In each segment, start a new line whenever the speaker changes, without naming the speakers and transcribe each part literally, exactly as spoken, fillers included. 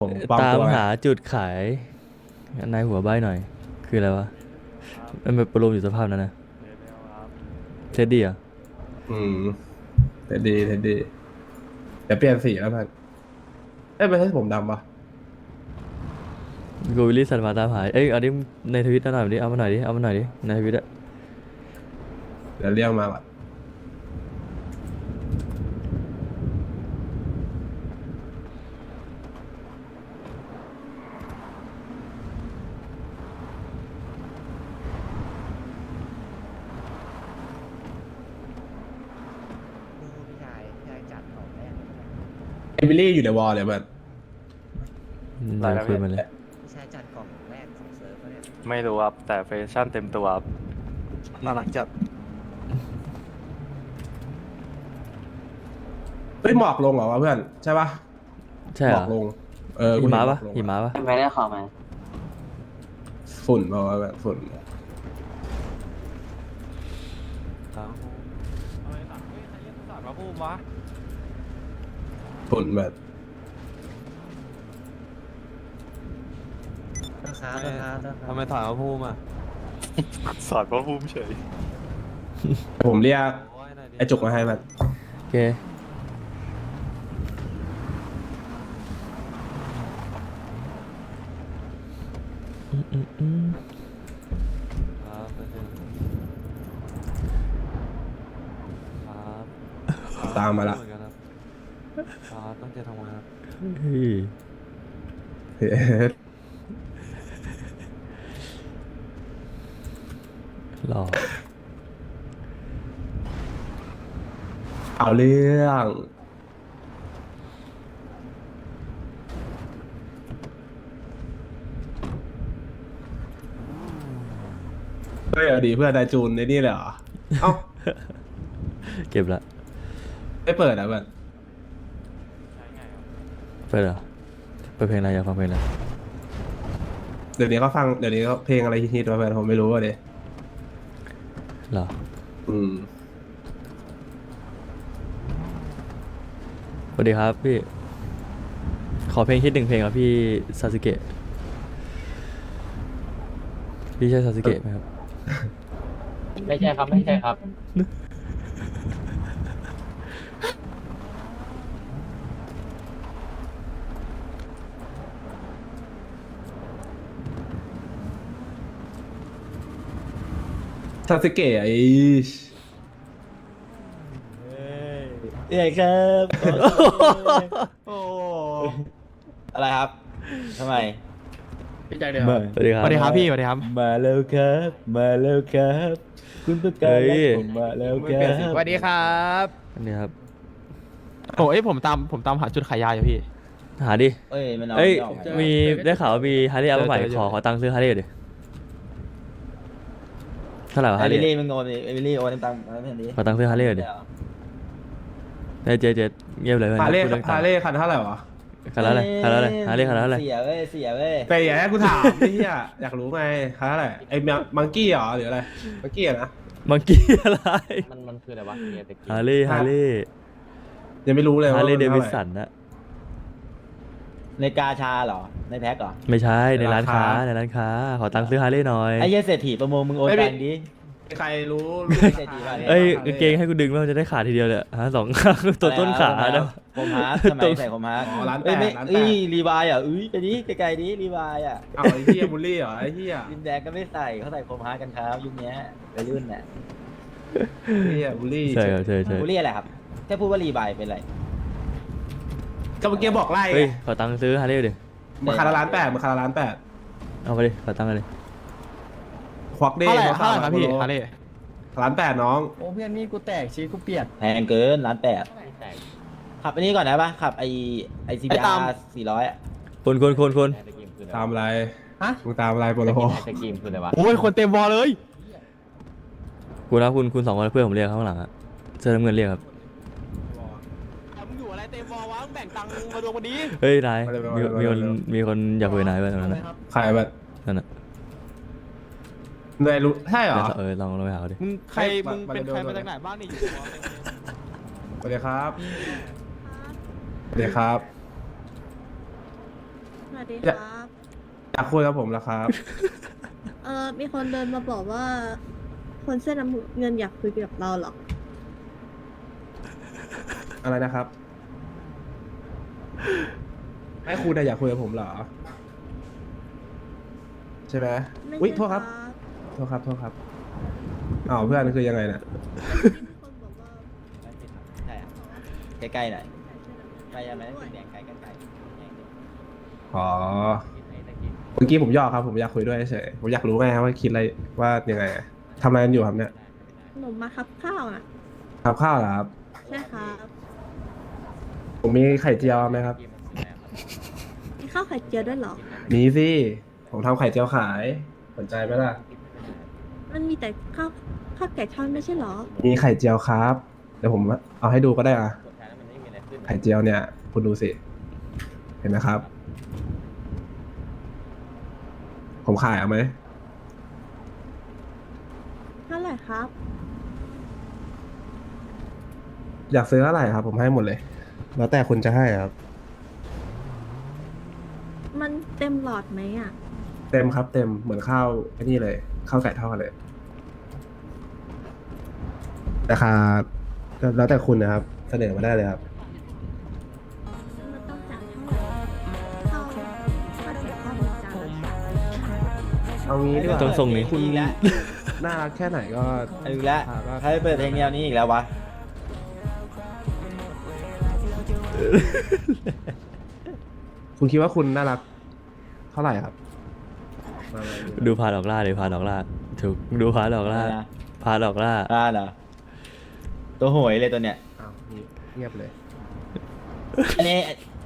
ผมปลอม
ตาม
ตัวไง
หาจุดขายนายหัวใบหน่อย คืออะไรวะมันเป็นปรมอยู่สภาพนั้นนะเท็ดดี้อ่ะ
อืมเท็ดดีเท็ดดีเดี๋ยวเปลี่ยนสีแล้วพันเอ้ยไม่ใช่ผมดำปะ
โกวิลลี่สันมาตามหาเอ้ยเอาดิในทวิตหน่อยดิเอามาหน่อยดิเอามาหน่อยดิในทวิตอะ
เดี๋ยวเรียกมาก่อน
พี่ชายพี่ชายจัดของแรก
เอมิลี่อยู่ในวอลเลยมัน
เดี๋ยวคุยมาเลย
พี่ชายจัดกล่องแรกของเซิร์ฟเขาเนี่ย
ไม่รู้ครับแต่แฟชั่นเต็มตัวครับน่ารักจัด
เฮ้ยหมอกลงเหรอวะเพื่อนใช่ปะ
ใช่
ห
เห
ม
ร
อ
อก
ลงเออ
หิ
กูเน
มะ
ห
ปะ
อกลง
หิมะปะ
ไม่ได้ขอมา
ฝุ่นเปล่าวะแบบฝุ่น ฝุ่นแบบ
นะครับนะครับนะครับ
ทำไมถามว่าพูดมา
สอนพระภูมิเฉย
ผมเรียก
โอ้ยหน่อยดิ
ไอจุกมาให้มัน
โอเค อืมอืมอืม
ครับไปเถอะครับ
ตามมาละ
เหอนกันครับครับตั้งใจทำงานครับ
เฮ้ย
เฮ้ย
หล่อ
เอาเรื่องเฮ้ยเอาดีเพื่อนไดจูนในนี่เลยเหรอเอ้า
เก็บละ
ไม่เปิดอ่ะเพื่อน
เปิดเหรอเปิดเพลงอะไรอยากฟังเพลงอะไร
เดี๋ยวนี้เขาฟังเดี๋ยวนี้เขาเพลงอะไรฮิตๆวะเพื่อนผมไม่รู้อ่ะเด
เหรอ
อืม
สวัสดีครับพี่ ขอเพลงคิดหนึ่งเพลงครับพี่ซาสึเกะ พี่ใช่ซาสึเกะไหมครับ
ไม่ใช่ครับ ไม่ใช่ครับ
ซาสึเกะไอ้
ใหญ่ครับโอ้อะไรครับทำไม
พี่ชายเดียว
สวัสดีครับ
สวัสดีครับพี่สวัสดีครับ
มาแล้วครับ มาแล้วครับ คุณประกาศผมมาแล้วครับ
สวัสดีครับ
อันนี้ครับ
โอ้ยผมตามผมตามหาจุดขายยาอยู่พี่
หาดิ
เอ้ยมันเอา
เอ้ย
ไม่ออก
มีได้ข่าวว่ามีฮาร์เลย์อัลใหม่
เจอเจอ
ขอขอตังค์ซื้อฮาร์เลย์ดิเท่าไหร่วะ
ไอ้
ฮาร์เล
วิล
ย์
ลี่มึงโอนไอ้วิลลี่โอนตังค์มาเพื่อนดิ
ขอตังค์ซื้อฮาร์เลย์ดิเจ๊เจ๊เจ๊เงียบเลยเพื่อน
ฮาเล่
พูดรื่องตัง
ฮา
ค์
เล่คันเท่าไหร่วะ
คันละอะไรคันละอะไรฮาร์เลย์คันละอะไร
เสียเว้ยเสียเว้ย
แต่อย่าให้กูถามไอ้เหี้ยอยากรู้ไงคันเท่าไหร่ไอ้มังกี้เหรอหรืออะไรมังกี้อะนะ
มังกี้อะไร
มันมันคืออะไรวะเฮียตะกี้
ฮาร์เลย์ฮาร์เลย์
ยังไม่รู้เลย
ฮา
ว่า
ร์เลย์เด
มัน
วิ
เท่าไหร่
สันนะ
ในกาชาเหรอในแพ็คเหรอ
ไม่ใช่ในร้านค้า
ราคา
ในร้านค้า ขอตังค์ซื้อฮาร์เลย์หน่อย
ไอ้เหี้ยเศรษฐีประมงมึงโอนตังค์ดิ
ใครรู้รู้
ไม่ใช่ดีกว่า
เอ้ยกางเกงให้กูดึงแล้วมันจะได้ขาดทีเดียวเลยอะฮะสองข้างตัวต้นขาเนาะ
ผมฮาร์ดทำไมใส่ผมฮาร์ด
อ๋อร้านแต
เอ้ย
ก
ไม่
ร้านแต
เอ้ย
ก
รีวายอ่ะอุ้ยไปดิไกลๆดิรีวายอ่ะ
เอาไอ้เหี้ยบูลลี่เหรอไอ้เหี้ย
ดินแดงก็ไม่ใส่เขาใส่ผมฮาร์ดกันครับยุคเนี้ยวัยรุ่นน่ะ
ไอ้เหี้ยบูลลี่
ใช่ครับใช่ใช่
กูเรียกอะไรครับแค่พูดว่ารีวายเป็นไร
ก็เมื่อกี้บอกไล่
เฮ้ยขอตังค์ซื้อฮาร์เลย์ดิ
มาคาราล้านแปดมาคาราล้านแปด
เอาไปดิขอตังค์เลย
ควักเด้
เท่าไหร่
เขา
เท่าไหร่ครับพี่
โล
ฮาร์เลย์
ล้านแปดน้อง
โอ้เพื่อนนี่กูแตกชีวิตกูเปลี่ยน
แพงเกินล้านแปดขับอันนี้ก่อนได้ปะขับไอไอซีบีอาร์สี่ร้อยอ่ะ
คนคนคนคน
ตามอะไร
ฮะ
มึงตามอะไรโปรโล
ไอศกรีมคืออะไรวะ
โอ้ยคนเต็มวอลเลย
คุณนะคุณคุณสองคนเพื่อนผมเรียกข้างหลังอะเสื้อน้ำเงินเรียกครับ
มึงอยู่อะไรเต็มวอลวะมึงแบ่งตังค์มาดวงวันนี้
เฮ้ยนายมีมีคนมีคนอยากคุยกับนายไว้ตรงนั้นนะ
ใครแบบ
นั่นน่ะ
นายรู้ใช่เหรอ
เออลองลองไปหาเขาดิ
มึงใคร
ไม่
มึงเป็น
มา
ใคร
มา
มาจากไหนบ้างนี่อยู่วอลเต็มเลย
สวัสดีครับสวัสดีครับ
ดี
อยาก
ครับ
อยากคุยกับผมแล้วครับ
เออมีคนเดินมาบอกว่า คนเสื้อน้ำเงินอยากคุยกับเราเหรอ
อะไรนะครับให้คุณน่ะอยากคุยกับผมเหรอ ใช่ไหม
ไม่
อุ้ย
ใช่
โทษครับโทษครับโทษครับอ้าวเพื่อนคือยังไงเนี่ย
มีคนบอกว่า
ใช่อะใกล้ๆหน่อยใกล้ยังไม่ได้ถึงแดงใกล้ใกล้ใกล้
อ๋อเมื่อกี้ผมยอกครับผมอยากคุยด้วยเฉยผมอยากรู้ไงครับว่าคิดอะไรว่ายังไงอะทำอะไรกันอยู่ครับเนี่ย
หนูมาคับข้าวอ่ะ
ทำข้าวเหรอครับ
ใช่ครับ
ผมมีไข่เจียวไหมครับ
มีข้าวไข่เจียวด้วยเหรอ
มีสิผมทำไข่เจียวขายสนใจไหมล่ะ
มันมีแต่ข้าวข้าวไก่ทอดไม่ใช่เหรอ
มีไข่เจียวครับเดี๋ยวผมเอาให้ดูก็ได้อะไข่เจียวเนี่ย คุณดูสิ เห็นไหมครับ ผมขายเอาไหม
เท่าไหร่ครับ
อยากซื้อเท่าไหร่ครับ ผมให้หมดเลย แล้วแต่คุณจะให้ครับ
มันเต็มหลอดไหมอ่ะ
เต็มครับ เต็มเหมือนข้าวไอ้นี่เลยข้าวไก่ทอดเลยราคาก็แล้วแต่คุณนะครับ เสนอมาได้เลยครับ
มันต้องจ่ายเท่าไหร่ข้าวข้าวไก่ทอดหนึ่งจานละ
เอางี้ดีกว่า
ต้องส่งนี้
คุณอีกแล้ว
น่ารักแค่ไหนก็
เอาอีกแล้ว
อ่าก็
ใครเปิดเพลงแนวนี้อีกแล้ววะ
คุณคิดว่าคุณน่ารัก เท่าไหร่ครับมาเลย
ดูพาดอกล่าเลยพาดอกล่าถูกดูพาดอกล่า
อะไรนะ
พาดอกล่า
อ่าเหรอตัวโหยเลยตัวเนี้ย
อ้าวเงียบเลย
อันนี้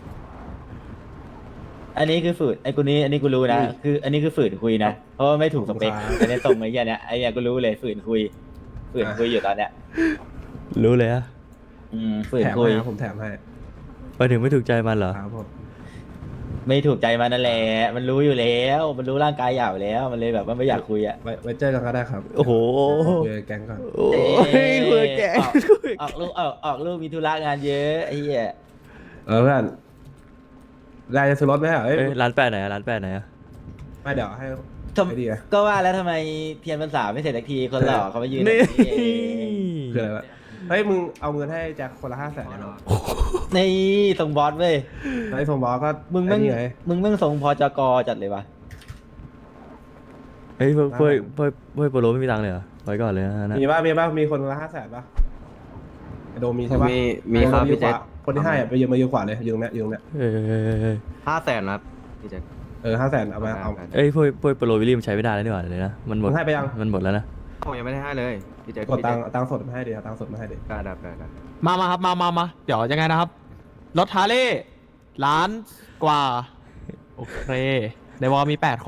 อันนี้คือฝืนไอ้กูนี้ อันนี้กูรู้นะ คือ อันนี้คือฝืนคุยนะ เพราะว่าไม่ถูกสเปค
ครับ
อันนี้ตรงไอ้เหี้ยเนี้ยไอ้เหี้ยกูรู้เลยฝืนคุย ฝืนคุยอยู่ตอนเนี้ย
รู้เลยอะ
อืมฝืน
แถม
คุย
ให้ครับผมแถมให้
ไปถึงไม่ถูกใจมันเหรอ
ครับผม
ไม่ถูกใจมันนั่นแหละ มันรู้อยู่แล้ว มันรู้ร่างกายหยาบแล้ว มันเลยแบบว่าไม่อยากคุยอ่ะ
ไว้ไว้เจอกันก็ได้ครับ
โอ้โห
คุยกับแก๊งก่อน
โอ้ยคุยกับแก
ออกออกลูกออกออกลูกมีธุระงานเยอะไอ้เหี้ย
เออเพื่อนรายจะซื้อรถไหมอ่ะเอ้ย
เอ้ยร้านแปดไหนอะร้านแปดไหนอะ
ไม่เดี๋ยวให้
ทำ
ไอเดีย
ก็ว่าแล้วทำไมเทียนพรรษาไม่เสร็จสักทีคนหล่อเขามายืน
นี่
แบบนี้เอง
คืออะไรวะเฮ้ยมึงเอาเงินให้แจ็คคนละห้าแสนได้ไหม
นี่ทรงบอสเว้ย
ไอ้สมบอกก็
มึงแม่ง
ไอ้นี่ไง
มึงแม่งทรงพอจกจัดเลยวะ
เฮ้ยพวกพวกพวกพวกโปโลไม่มีตังค์เลยเหรอไว้ก่อนเลยนะ
มีป่ะมีป่ะมีคนละห้าแสนป่ะไอโดมมีใช่ป่ะ
มีมีครับ
ไอ้โด
พี่แจ็ค
คนที่ให้อะไปยืมมายืมกว่าเลยยืมเนี้ยยืมเนี้ย
เอ้ยเอ้ยเอ้ยเอ้ย
ห้าแสนครับพี่แจ็ค
เออห้าแสนเอามาเอา
เอ้ยพวกพวกโปโลวิลลี่มันใช้ไม่ได้แล้วนี่หว่าเลยนะมันหมด
มึงให้ไปยัง
มันหมดแล้วนะ
ผมยังไม่ได้ให้เลยพี่แจ็ค
กดตังค์เอาตังค์สดมาให้ดิเอาตังค์สดมาให้ดิ
ได้ได้ได้ได้
มามาครับมามามาเดี๋ยวยังไงนะครับ รถฮาร์เลย์ล้านกว่า โอเค ในวอลมีแปดคน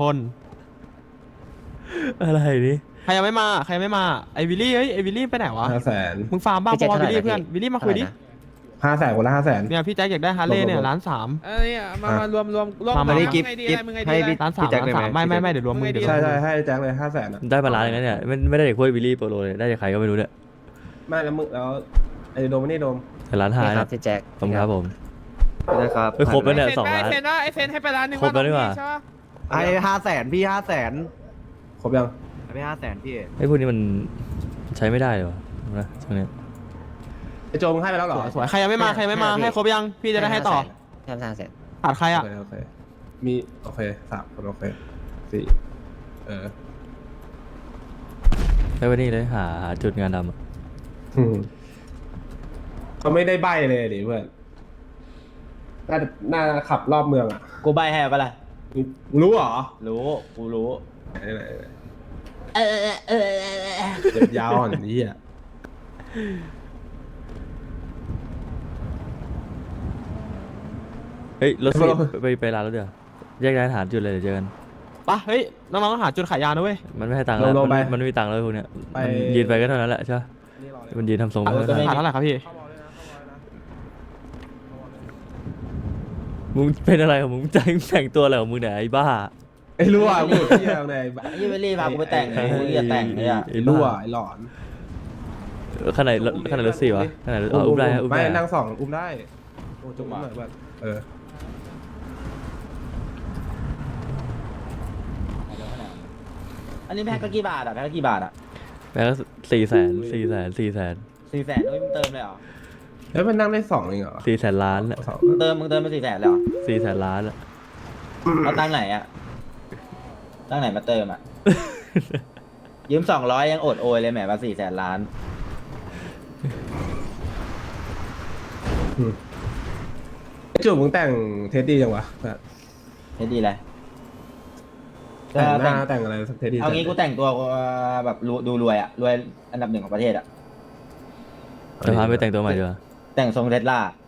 อะไรนี่
ใครยังไม่มา ใครยังไม่มา ไอวิลลี่ เฮ้ย ไอวิลลี่ไปไหนวะ
ห้าแสน
มึงฟาร์มบ้า
พี่
เพ
แจ็ค
ราะว่าวิลลี่
เท่าไหร่
เพื่อน
นะ
วิลลี่มาคุยดิ
ห้าแสนคนละห้าแสน
เนี่ยพี่แจ็คอยากได้ฮาร์เลย์เนี่ย
รวมๆ
ล้านสาม
เอ้ยมามารวมรวมรวม
มามา
มึ
นี่
ง
กิฟ
ไงดี
กิฟ
อะไรมึงไงดี
ให้
อะไร
พี่
ล้านสาม
พี่แจ็ค
ล้าน
เลย
สาม
ไหม
ไม่ไม่ไม่เดี๋ยวรวมมึงเดี๋ยวรว
ใช่
ม
ใช่ให้แจ็คเลยห้าแสนอ่ะ
ได้บาลานซ์อย่างนั้นเนี่ยไม่ไม่ได้จากพวกวิลลี่โปโลเลยได้จากใครก็ไม่รู้เนี่ย
ไม่แล้วมึงแล้วไอโดมไม่นี่โดม
แต่ร้านหาย
นี่ครั
นะ
บพี่แจ็ค
ผมครับผม
พี่แจ็คครับ
เอ้ยครบแล้วเนี่ย
ไอ
สอง
เซน
ล้าน
ไอเซนว่าไอเซนให้ไปล้านหนึ่ง
ครบแล้วนี่หว่า
ใช่ปะ
ให้ห้าแสนพี่ห้าแสน
ครบยัง
ให้ห้าแสนพี่
ไอ้พวกนี้มันใช้ไม่ได้เลยวะนะช่วงเนี้ย
ไอโจมึงให้ไปแล้วเหรอ
สวยใครยังไม่มา ใครยังไม่มา ให้ครบยัง พี่จะได้ให้ต่อ
ทำทางเสร็จ
ขาดใคร
โอ
อ่ะ
เคโอเคมีโอเคสามคนโอเคสี่เออ
ไอ้วันนี้เลยหาหาจุดงานดำอะ
อืมเขาไม่ได้ใบเลยดิเพื่อนน่าจะน่าจะขับรอบเมืองอ่ะ
กูใบให้ปะล่ะ
มึงรู้เหรอ
รู้ กูรู้
ไหนไหนไหน
เออเออเออเออ
เจ็บยาวอ่อนนี้อ่ะ
เฮ้ยรถสิไปไปร้านรถเดี๋ยวแยกย้ายหาจุดเลยเดี๋ยวเจอกัน
ปะเฮ้ย น้องๆหาจุดขายยานะเว้ย
มันไม่ให้ตังค์แล้วมันมันไม่มีตังค์แล้วพวกเนี้ยมันยืนไปก็เท่านั้นแหละใช่ปะ
นี่รอเลย
มันยืนทำทรง
เอา
ไม่
ก็
ได้
ไม่
ขาดเท่าไหร่ครับพี่
เข้าบอลเลยนะเข้าบอลเลยนะ
มึงเป็นอะไรของมึงแต่งแต่งตัวอะไรของมึงเนี่ยไอ้บ้า
ไอ้รั่วมึงเที่ยวใน
ยี่เวลลี่พากูไปแต่งเลยกูเรียกแต่งเลยอ่ะ
ไอ้รั่วไอ้หลอน
ขนาดขนาดรถสี่วะขนาดรถอ๋ออุ้มได้ฮะอุ้ม
ไม่
ได้
นั่งสองอุ้มได้โอ้จุ๊บหน่อยแบบเออ
อันนี้แพ็คก็กี่บาทอ่ะแพ็คก็กี่บาทอ่ะ
แปลว่าสี่แสนสี่แสนสี่แสน
สี่แสนเอ้ยมึงเติมเลยเหรอ
แล้วมันนั่งได้สองเองเหรอ
สี่แสนล้านอะ
สอง
มึงเติมมึงเติมมาสี่แสนเลยเหรอ
สี่แสนล้านอะ
เอาตังค์ไหนอ่ะตังค์ไหนมาเติมอ่ะ ยืมสองร้อยยังอดโอยเลยแหมมาสี่แสนล้าน
ไอ้จุ๋มมึงแต่งเทสดีจังวะแบบ
เฮ้ยดีเลย
แต่งห
แต่
น้าง แต่งอะไรสักเทสดี
เอางี้กูแต่งตัวแบบรวยดูรวยอ่ะรวยอันดับหนึ่งของประเทศอ่ะ
จะพาไปแต่งตัวใหม่ดีกว่า
แต่งทรงเทสลา